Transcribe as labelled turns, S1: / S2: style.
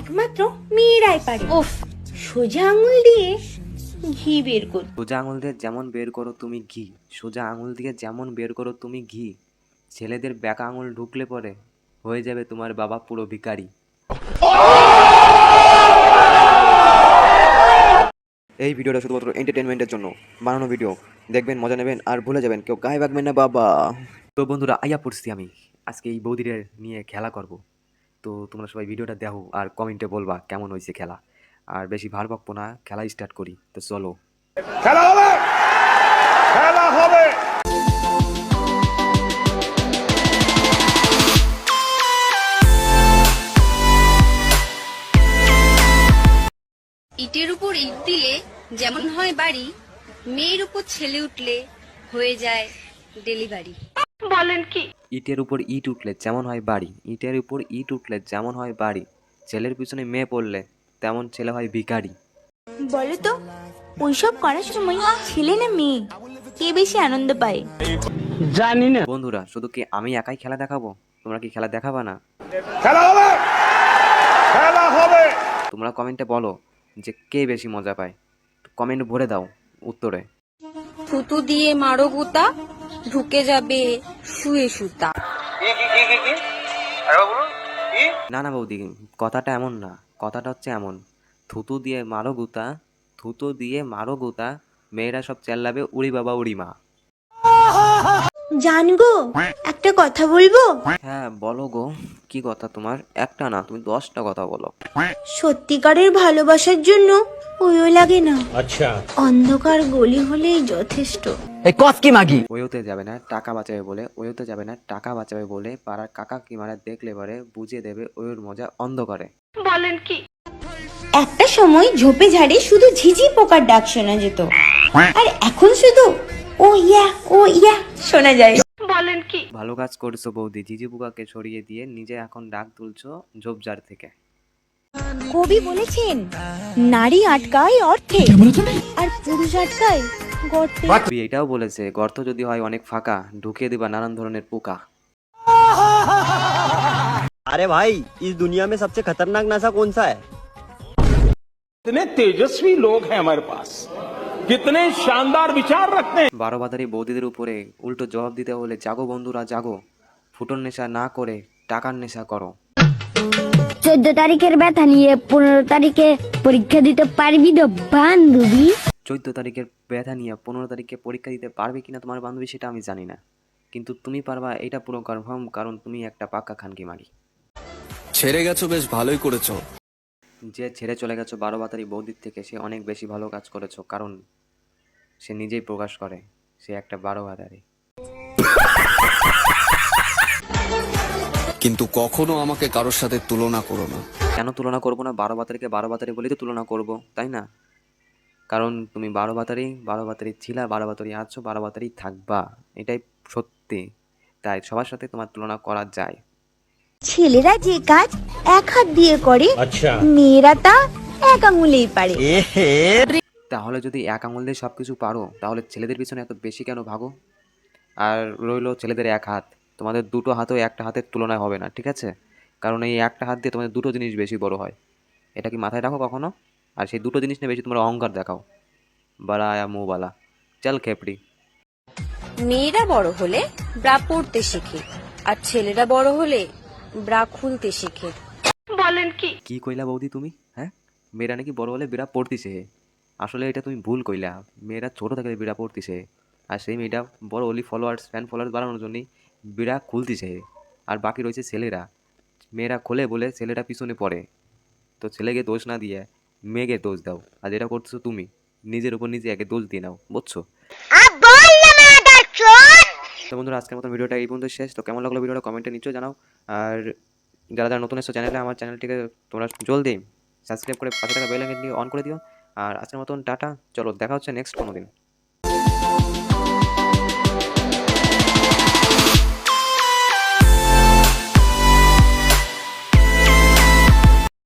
S1: একমাত্র মেয়েরাই পারে। ওফ, সোজা আঙুল দিয়ে ঘি বের কর।
S2: সোজা আঙুল দিয়ে যেমন বের করো তুমি ঘি, সোজা আঙুল দিয়ে যেমন বের করো তুমি ঘি, ছেলেদের ব্যাকা আঙুল ঢুকলে পরে হয়ে যাবে তোমার বাবা পুরো ভিখারি। এই ভিডিওটা শুধুমাত্র এন্টারটেনমেন্টের জন্য বানানো ভিডিও, দেখবেন মজা নেবেন আর ভুলে যাবেন, কেউ গায়ে বাগবেন না বাবা। তো বন্ধুরা, আইয়া পড়ছি আমি আজকে এই বৌদিদের নিয়ে খেলা করব। তো তোমরা সবাই ভিডিওটা দেখো আর কমেন্টে বলবা কেমন হয়েছে খেলা। আর বেশি ভার বকবো না, খেলা স্টার্ট করি। তো চলো,
S3: খেলা হবে, খেলা হবে।
S4: ইটের উপর ইট দিলে যেমন হয় বাড়ি, মেয়ের উপর ছেলে উঠলে হয়ে যায় ডেলিভারি। বলেন কি?
S2: ইটের উপর ইট উঠলে যেমন হয় বাড়ি, ইটের উপর ইট উঠলে যেমন হয় বাড়ি, ছেলের পিছনে মেয়ে পড়লে তেমন ছেলে হয় ভিখারি।
S1: বলো তো, ওইসব করার সময় ছেলে না মেয়ে কে বেশি আনন্দ পায়?
S5: জানি না।
S2: বন্ধুরা, শুধু কি আমি একাই খেলা দেখাবো? তোমরা কি খেলা দেখাবা না?
S3: খেলা হবে, খেলা হবে।
S2: তোমরা কমেন্টে বলো যে কে বেশি মজা পায়। কমেন্ট ভরে দাও উত্তরে।
S4: থুতু দিয়ে মারো গুতা, ঢুকে যাবে শুয়ে সুতা।
S2: না না বৌদি, কথাটা এমন না, কথাটা হচ্ছে এমন, থুতু দিয়ে মারো গুতা, থুতু দিয়ে মারো গুতা, মেয়েরা সব চেল্লাবে উড়ি বাবা উড়ি মা।
S1: জান গো, একটা কথা বলবো?
S2: হ্যাঁ বলো গো, কি কথা তোমার? একটা না, তুমি 10টা কথা বলো।
S1: সত্যিকারের ভালোবাসার জন্য ওইও লাগে না,
S5: আচ্ছা,
S1: অন্ধকার গলি হলেই যথেষ্ট।
S5: এই কস কি মাগি?
S2: ওয়োতে যাবে না টাকা বাঁচাবে বলে, ওয়োতে যাবে না টাকা বাঁচাবে বলে পাড়ার কাকা কিমারা দেখলে পরে বুঝিয়ে দেবে ওর মজা অন্ধকারে।
S4: বলেন কি?
S1: একটা সময় ঝোপে ঝাড়ে শুধু ঝিঝি পোকার ডাক শোনা যেত, আর এখন শুধু ও ইয়া শোনা যায়।
S4: বলেন কি?
S2: ভালো কাজ করছো বৌদি, ঝিঝি পোকাকে সরিয়ে দিয়ে নিজে এখন ডাক তুলছো ঝোপঝাড় থেকে।
S1: কবি বলেছেন, নারী আটকায় অর্থে আর পুরুষ আটকায় গর্তে।
S2: কবি এটাও বলেছে, গর্ত যদি হয় অনেক ফাঁকা, ঢুকিয়ে দিবা নানান ধরনের পোকা।
S6: अरे भाई, इस दुनिया में सबसे खतरनाक नशा कौन सा है?
S3: कितने तेजस्वी लोग हैं हमारे पास, कितने शानदार विचार रखते हैं।
S2: 12 বাজারি বৌদিদের উপরে উল্টো জবাব দিতে হলে জাগো বন্ধুরা জাগো, ফুটোর নেশা না করে টাকার নেশা করো।
S7: 14 তারিখের ব্যথা নিয়ে 15 তারিখে পরীক্ষা দিতে পারবি তো বান্ধবী?
S2: 14 তারিখের ব্যথা নিয়ে 15 তারিখে পরীক্ষা দিতে পারবে কিনা তোমার বান্ধবী সেটা আমি জানি না, কিন্তু তুমি পারবা এটা পুরো কনফার্ম, কারণ তুমি একটা পাক্কা খানকি মারি।
S8: ছেড়ে গেছো, বেশ ভালোই করেছো।
S2: যে ছেড়ে চলে গেছো 12 বাজারি বৌদির থেকে, সে অনেক বেশি ভালো কাজ করেছো, কারণ সে নিজেই প্রকাশ করে সে একটা 12 বাজারি।
S8: কিন্তু কখনো আমাকে কারোর সাথে তুলনা করো না।
S2: কেন তুলনা করবো না? 12 বাজারিকে 12 বাজারি বলেই তো তুলনা করবো, তাই না? কারণ তুমি 12 বাতারি ছিলা, 12 বাতারি আছো, 12 বাতারি থাকবা, এটাই সত্যি। তাই সবার সাথে তোমার তুলনা করা যায়।
S1: ছেলেরা যে কাজ এক হাত দিয়ে করে,
S5: আচ্ছা,
S1: মেয়েরা তা এক আঙুলেই পারে।
S2: তাহলে যদি এক আঙুল দিয়ে সব কিছু পারো, তাহলে ছেলেদের পিছনে এত বেশি কেন ভাগো? আর রইলো ছেলেদের এক হাত, তোমাদের দুটো হাতও একটা হাতের তুলনায় হবে না, ঠিক আছে? কারণ এই একটা হাত দিয়ে তোমাদের দুটো জিনিস বেশি বড় হয়, এটা কি মাথায় রাখো কখনো? আর সেই দুটো জিনিস নিয়ে বেশি তোমরা অহংকার দেখাও, বালা আয়া মুহ বালা, চল খেপড়ি।
S4: মেয়েরা বড় হলে ব্রা পড়তে শেখে, আর ছেলেরা বড় হলে ব্রা খুলতে শেখে। বলেন কি?
S2: কি কইলা বৌদি তুমি? হ্যাঁ, মেয়েরা নাকি বড় হলে বিড়া পড়তিছে? আসলে এটা তুমি ভুল কইলা, মেয়েরা ছোট থেকে বিড়া পড়তিছে, আর সেই মেয়েটা বড় হলি ফ্যান ফলোয়ার্স বাড়ানোর জন্যই বিড়া খুলতিছে। আর বাকি রয়েছে ছেলেরা, মেয়েরা খোলে বলে ছেলেটা পিছনে পড়ে। তো ছেলেকে দোষ না দিয়ে মেয়েকে দোষ দাও, আর যেটা করতেছো তুমি নিজের উপর নিজে একে দোষ দিয়ে নাও, বুঝছো? তো বন্ধুরা, আজকের মতো ভিডিওটা এই পর্যন্ত শেষ। তো কেমন লাগলো ভিডিওটা কমেন্টে নিশ্চয়ই জানাও। আর যারা যারা নতুন এসছো চ্যানেলে, আমার চ্যানেলটিকে তোমরা জলদি সাবস্ক্রাইব করে পাশে থাকা বেল আইকনটি অন করে দিও। আর আজকের মতন টাটা, চলো দেখা হচ্ছে নেক্সট কোনো দিন।